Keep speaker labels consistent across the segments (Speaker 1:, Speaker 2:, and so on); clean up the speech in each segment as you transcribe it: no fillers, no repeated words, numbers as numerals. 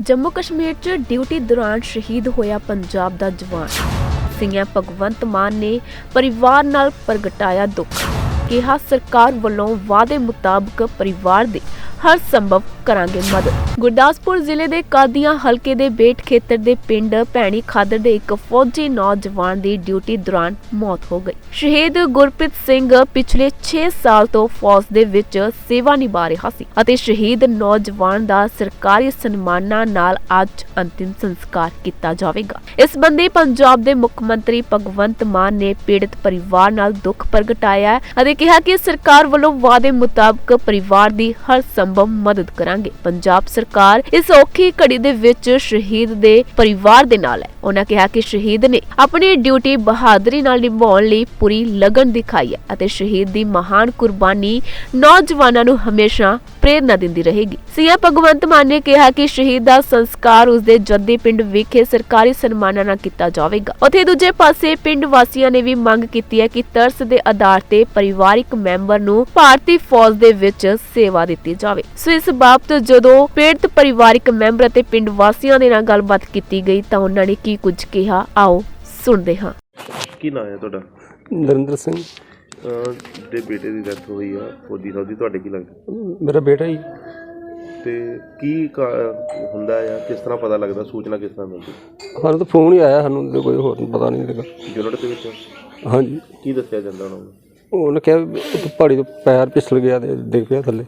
Speaker 1: जम्मू कश्मीर च ड्यूटी दौरान शहीद होया पंजाब दा जवान सीएम भगवंत मान ने परिवार नाल प्रगटाया दुख। कहा सरकार वालों वादे मुताबिक परिवार दे हर संभव करांगे मदद। गुरदासपुर जिले दे कादियां हलके दे बेट खेतर दे पिंड भैणी खादर दे एक फौजी नौजवान दी ड्यूटी दौरान मौत हो गई। शहीद गुरप्रीत सिंह पिछले 6 साल तो फौज दे विच सेवा निभा रहा सी अते शहीद नौजवान दा सरकारी सन्मानां नाल अज अंतिम संस्कार किया जावेगा। इस संबंधी पंजाब दे मुख मंत्री भगवंत मान ने पीड़ित परिवार नाल दुख प्रगटाया है अते कहा कि सरकार वालों वादे मुताबिक परिवार दी हर संभव मदद करांगे। पंजाब सरकार इस औखी घड़ी दे विच शहीद दे परिवार दे नाल है। उन्होंने कहा कि शहीद ने अपनी ड्यूटी बहादुरी नाल निभाउण लई पूरी लगन दिखाई है अते शहीद दी महान कुर्बानी नौजवानां नूं हमेशा प्रेरणा दिंदी रहेगी। सीएम भगवंत मान ने कहा कि शहीद दा संस्कार उसदे जद्दी पिंड विखे सरकारी सन्मानां नाल कीता जावेगा। उत्थे दूजे पासे पिंड वासियां ने भी मंग कीती है कि तरस दे आधार ते परिवारिक मैंबर नूं भारती फौज दे विच सेवा दित्ती जावे। सो इस बाबत जदों पीड़ित परिवारिक मैंबर अते पिंड वासियां दे नाल गलबात कीती गई तां उन्हां ने की कुछ कहा, आओ सुणदे हां।
Speaker 2: ਕੀ ਨਾਂ ਹੈ ਤੁਹਾਡਾ?
Speaker 3: ਨਰਿੰਦਰ ਸਿੰਘ
Speaker 2: ਦੇ ਬੇਟੇ ਦੀ ਡੈਥ ਹੋਈ ਆ ਫੌਜੀ ਸਾਹਿਬ ਦੀ, ਤੁਹਾਡੇ ਕੀ ਲੱਗਦਾ?
Speaker 3: ਮੇਰਾ ਬੇਟਾ ਹੀ।
Speaker 2: ਤੇ ਕੀ ਹੁੰਦਾ ਆ, ਕਿਸ ਤਰ੍ਹਾਂ ਪਤਾ ਲੱਗਦਾ, ਸੂਚਨਾ ਕਿਸ ਤਰ੍ਹਾਂ ਮਿਲਦੀ?
Speaker 3: ਸਾਨੂੰ ਤਾਂ ਫੋਨ ਹੀ ਆਇਆ, ਸਾਨੂੰ ਤਾਂ ਕੋਈ ਹੋਰ ਪਤਾ ਨਹੀਂ ਲੱਗਾ।
Speaker 2: ਯੂਨਿਟ ਦੇ ਵਿੱਚ?
Speaker 3: ਹਾਂਜੀ।
Speaker 2: ਕੀ ਦੱਸਿਆ ਜਾਂਦਾ ਉਹਨਾਂ ਨੂੰ?
Speaker 3: ਉਹਨੇ ਕਿਹਾ ਉੱਥੇ ਪਹਾੜੀ ਤੋਂ ਪੈਰ ਫਿਸਲ ਗਿਆ ਤੇ ਡਿੱਗ ਪਿਆ ਥੱਲੇ।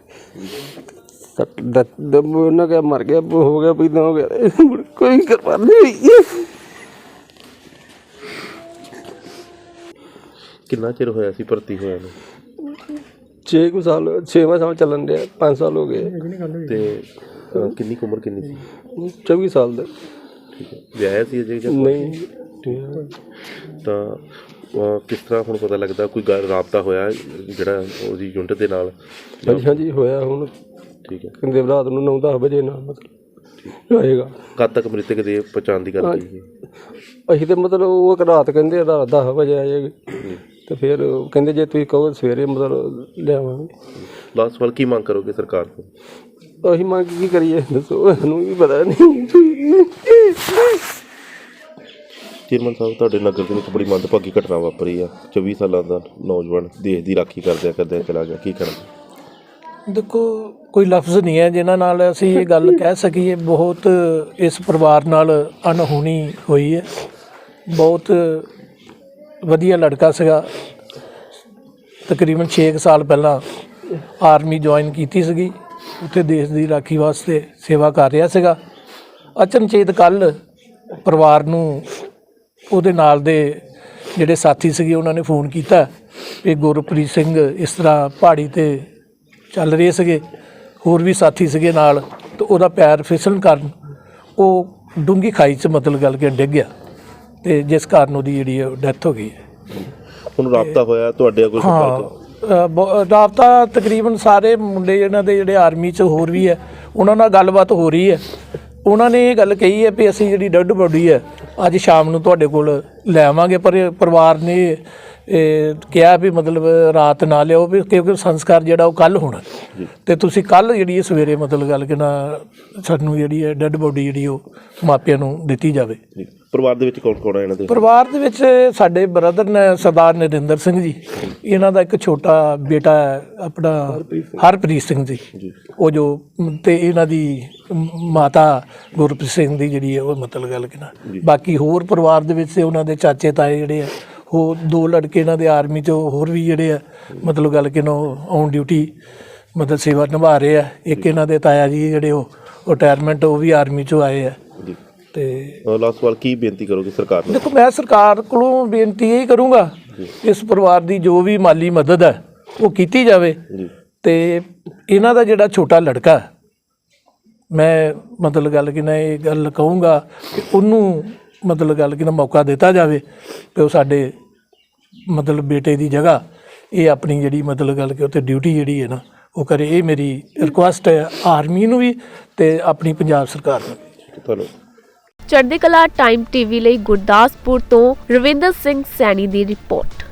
Speaker 3: ਉਹਨਾਂ ਕਿਹਾ ਮਰ ਗਿਆ, ਹੋ ਗਿਆ ਵੀ ਹੋ ਗਿਆ, ਕੋਈ ਕਰਵਾ ਨਹੀਂ ਹੋਈ।
Speaker 2: ਕਿੰਨਾ ਚਿਰ ਹੋਇਆ ਸੀ ਭਰਤੀ ਹੋਇਆ ਨੂੰ?
Speaker 3: 6 ਸਾਲ, 6ਵਾਂ ਸਾਲ ਚੱਲਣ ਡਿਆ, 5 ਸਾਲ ਹੋ ਗਏ।
Speaker 2: ਤੇ ਕਿੰਨੀ ਕੁ ਉਮਰ ਕਿੰਨੀ ਸੀ?
Speaker 3: 24 ਸਾਲ ਦਾ।
Speaker 2: ਠੀਕ ਹੈ। ਵਿਆਹਿਆ ਸੀ ਅਜੇ ਜਾਂ
Speaker 3: ਨਹੀਂ?
Speaker 2: ਤਾਂ ਕਿਸ ਤਰ੍ਹਾਂ ਹੁਣ ਪਤਾ ਲੱਗਦਾ, ਕੋਈ ਰਾਬਤਾ ਹੋਇਆ ਜਿਹੜਾ ਉਹਦੀ ਯੂਨਿਟ ਦੇ ਨਾਲ?
Speaker 3: ਹਾਂਜੀ ਹਾਂਜੀ ਹੋਇਆ ਹੁਣ।
Speaker 2: ਠੀਕ ਹੈ।
Speaker 3: ਕਹਿੰਦੇ ਰਾਤ ਨੂੰ 9-10 ਵਜੇ ਨਾਲ ਮਤਲਬ ਆਏਗਾ।
Speaker 2: ਕਦ ਤੱਕ ਮ੍ਰਿਤਕ ਦੇ ਪਛਾਣ ਦੀ ਗੱਲ ਕਰੀਏ?
Speaker 3: ਅਸੀਂ ਤਾਂ ਮਤਲਬ ਉਹ ਰਾਤ ਕਹਿੰਦੇ ਰਾਤ 10 ਵਜੇ ਆ ਜਾਏਗੀ ਤੇ ਫਿਰ ਕਹਿੰਦੇ ਜੇ ਤੁਸੀਂ ਕਹੋ ਸਵੇਰੇ ਮਤਲਬ ਲਿਆਵਾਂਗੇ।
Speaker 2: ਲਾਸਟ ਵਾਰ ਕੀ ਮੰਗ ਕਰੋਗੇ ਸਰਕਾਰ ਤੋਂ?
Speaker 3: ਅਸੀਂ ਮੰਗ ਕੀ ਕਰੀਏ ਦੱਸੋ, ਸਾਨੂੰ ਵੀ ਪਤਾ ਨਹੀਂ।
Speaker 2: ਚੇਅਰਮੈਨ ਸਾਹਿਬ, ਤੁਹਾਡੇ ਨਗਰ ਦੇ ਵਿੱਚ ਬੜੀ ਮੰਦਭਾਗੀ ਘਟਨਾ ਵਾਪਰੀ ਆ। 24 ਸਾਲਾਂ ਦਾ ਨੌਜਵਾਨ ਦੇਸ਼ ਦੀ ਰਾਖੀ ਕਰਦਿਆਂ ਚਲਾ ਗਿਆ, ਕੀ ਕਰਨਾ?
Speaker 4: ਦੇਖੋ, ਕੋਈ ਲਫ਼ਜ਼ ਨਹੀਂ ਹੈ ਜਿਨ੍ਹਾਂ ਨਾਲ ਅਸੀਂ ਇਹ ਗੱਲ ਕਹਿ ਸਕੀਏ। ਬਹੁਤ ਇਸ ਪਰਿਵਾਰ ਨਾਲ ਅਣਹੋਣੀ ਹੋਈ ਹੈ। ਬਹੁਤ ਵਧੀਆ ਲੜਕਾ ਸੀਗਾ, ਤਕਰੀਬਨ 6 ਸਾਲ ਪਹਿਲਾਂ ਆਰਮੀ ਜੁਆਇਨ ਕੀਤੀ ਸੀਗੀ, ਉੱਥੇ ਦੇਸ਼ ਦੀ ਰਾਖੀ ਵਾਸਤੇ ਸੇਵਾ ਕਰ ਰਿਹਾ ਸੀਗਾ। ਅਚਨਚੇਤ ਕੱਲ੍ਹ ਪਰਿਵਾਰ ਨੂੰ ਉਹਦੇ ਨਾਲ ਦੇ ਜਿਹੜੇ ਸਾਥੀ ਸੀਗੇ ਉਹਨਾਂ ਨੇ ਫੋਨ ਕੀਤਾ ਕਿ ਗੁਰਪ੍ਰੀਤ ਸਿੰਘ ਇਸ ਤਰ੍ਹਾਂ ਪਹਾੜੀ 'ਤੇ ਚੱਲ ਰਹੇ ਸੀਗੇ, ਹੋਰ ਵੀ ਸਾਥੀ ਸੀਗੇ ਨਾਲ, ਤੇ ਉਹਦਾ ਪੈਰ ਫਿਸਲਣ ਕਾਰਨ ਉਹ ਡੂੰਘੀ ਖਾਈ 'ਚ ਮਤਲਬ ਗੱਲ ਕਿ ਡਿੱਗ ਗਿਆ ਤੇ ਜਿਸ ਕਾਰਨ ਉਹਦੀ ਜਿਹੜੀ ਡੈਥ ਹੋ ਗਈ ਹੈ।
Speaker 2: ਹੁਣ ਰਾਬਤਾ ਹੋਇਆ ਤੁਹਾਡੇ ਕੋਈ?
Speaker 4: ਹਾਂ, ਰਾਬਤਾ ਤਕਰੀਬਨ ਸਾਰੇ ਮੁੰਡੇ ਇਹਨਾਂ ਦੇ ਜਿਹੜੇ ਆਰਮੀ 'ਚ ਹੋਰ ਵੀ ਹੈ, ਉਹਨਾਂ ਨਾਲ ਗੱਲਬਾਤ ਹੋ ਰਹੀ ਹੈ। ਉਹਨਾਂ ਨੇ ਇਹ ਗੱਲ ਕਹੀ ਹੈ ਵੀ ਅਸੀਂ ਜਿਹੜੀ ਡੈੱਡ ਬੋਡੀ ਹੈ ਅੱਜ ਸ਼ਾਮ ਨੂੰ ਤੁਹਾਡੇ ਕੋਲ ਲੈ ਆਵਾਂਗੇ, ਪਰ ਪਰਿਵਾਰ ਨੇ ਕਿਹਾ ਵੀ ਮਤਲਬ ਰਾਤ ਨਾ ਲਿਓ ਵੀ, ਕਿਉਂਕਿ ਸੰਸਕਾਰ ਜਿਹੜਾ ਉਹ ਕੱਲ੍ਹ ਹੋਣਾ ਤੇ ਤੁਸੀਂ ਕੱਲ੍ਹ ਜਿਹੜੀ ਸਵੇਰੇ ਮਤਲਬ ਗੱਲ ਕਿ ਨਾ ਸਾਨੂੰ ਜਿਹੜੀ ਹੈ ਡੈੱਡ ਬੋਡੀ ਜਿਹੜੀ ਉਹ ਮਾਪਿਆਂ ਨੂੰ ਦਿੱਤੀ ਜਾਵੇ।
Speaker 2: ਪਰਿਵਾਰ ਦੇ ਵਿੱਚ ਕੌਣ ਕੌਣ ਹੈ ਇਹਨਾਂ ਦੇ?
Speaker 4: ਪਰਿਵਾਰ ਦੇ ਵਿੱਚ ਸਾਡੇ ਬ੍ਰਦਰ ਨੇ ਸਰਦਾਰ ਨਰਿੰਦਰ ਸਿੰਘ ਜੀ, ਇਹਨਾਂ ਦਾ ਇੱਕ ਛੋਟਾ ਬੇਟਾ ਹੈ ਆਪਣਾ ਹਰਪ੍ਰੀਤ ਸਿੰਘ ਜੀ, ਉਹ ਜੋ, ਤੇ ਇਹਨਾਂ ਦੀ ਮਾਤਾ ਗੁਰਪ੍ਰੀਤ ਸਿੰਘ ਦੀ ਜਿਹੜੀ ਹੈ ਉਹ ਮਤਲਬ ਗੱਲ ਕਿ ਨਾ। ਬਾਕੀ ਹੋਰ ਪਰਿਵਾਰ ਦੇ ਵਿੱਚ ਉਹਨਾਂ ਦੇ ਚਾਚੇ ਤਾਏ ਜਿਹੜੇ ਆ, ਉਹ 2 ਲੜਕੇ ਇਹਨਾਂ ਦੇ ਆਰਮੀ 'ਚ ਹੋਰ ਵੀ ਜਿਹੜੇ ਆ ਮਤਲਬ ਗੱਲ ਕਿ ਨਾ ਔਨ ਡਿਊਟੀ ਮਤਲਬ ਸੇਵਾ ਨਿਭਾ ਰਹੇ ਆ। ਇੱਕ ਇਹਨਾਂ ਦੇ ਤਾਇਆ ਜੀ ਜਿਹੜੇ ਉਹ ਰਿਟਾਇਰਮੈਂਟ, ਉਹ ਵੀ ਆਰਮੀ 'ਚੋਂ ਆਏ ਆ। ਤੇ
Speaker 2: ਲਾਸਟ ਸਵਾਲ, ਕੀ ਬੇਨਤੀ ਕਰੋਗੇ ਸਰਕਾਰ ਨੂੰ?
Speaker 4: ਦੇਖੋ, ਮੈਂ ਸਰਕਾਰ ਕੋਲੋਂ ਬੇਨਤੀ ਇਹ ਕਰੂੰਗਾ ਇਸ ਪਰਿਵਾਰ ਦੀ ਜੋ ਵੀ ਮਾਲੀ ਮਦਦ ਹੈ ਉਹ ਕੀਤੀ ਜਾਵੇ ਤੇ ਇਹਨਾਂ ਦਾ ਜਿਹੜਾ ਛੋਟਾ ਲੜਕਾ, ਮੈਂ ਮਤਲਬ ਗੱਲ ਕਿ ਨਾ ਇਹ ਗੱਲ ਕਹੂੰਗਾ ਕਿ ਉਹਨੂੰ ਮਤਲਬ ਗੱਲ ਕਿ ਨਾ ਮੌਕਾ ਦਿੱਤਾ ਜਾਵੇ ਕਿ ਉਹ ਸਾਡੇ ਮਤਲਬ ਬੇਟੇ ਦੀ ਜਗ੍ਹਾ ਇਹ ਆਪਣੀ ਜਿਹੜੀ ਮਤਲਬ ਗੱਲ ਕਿ ਉੱਥੇ ਡਿਊਟੀ ਜਿਹੜੀ ਹੈ ਨਾ ਉਹ ਕਰੇ। ਇਹ ਮੇਰੀ ਰਿਕੁਐਸਟ ਹੈ ਆਰਮੀ ਨੂੰ ਵੀ ਤੇ ਆਪਣੀ ਪੰਜਾਬ ਸਰਕਾਰ ਨੂੰ ਵੀ।
Speaker 2: ਤੁਹਾਨੂੰ
Speaker 1: ਚੜ੍ਹਦੀ ਕਲਾ ਟਾਈਮ ਟੀਵੀ ਲਈ ਗੁਰਦਾਸਪੁਰ ਤੋਂ ਰਵਿੰਦਰ ਸਿੰਘ ਸੈਣੀ ਦੀ ਰਿਪੋਰਟ।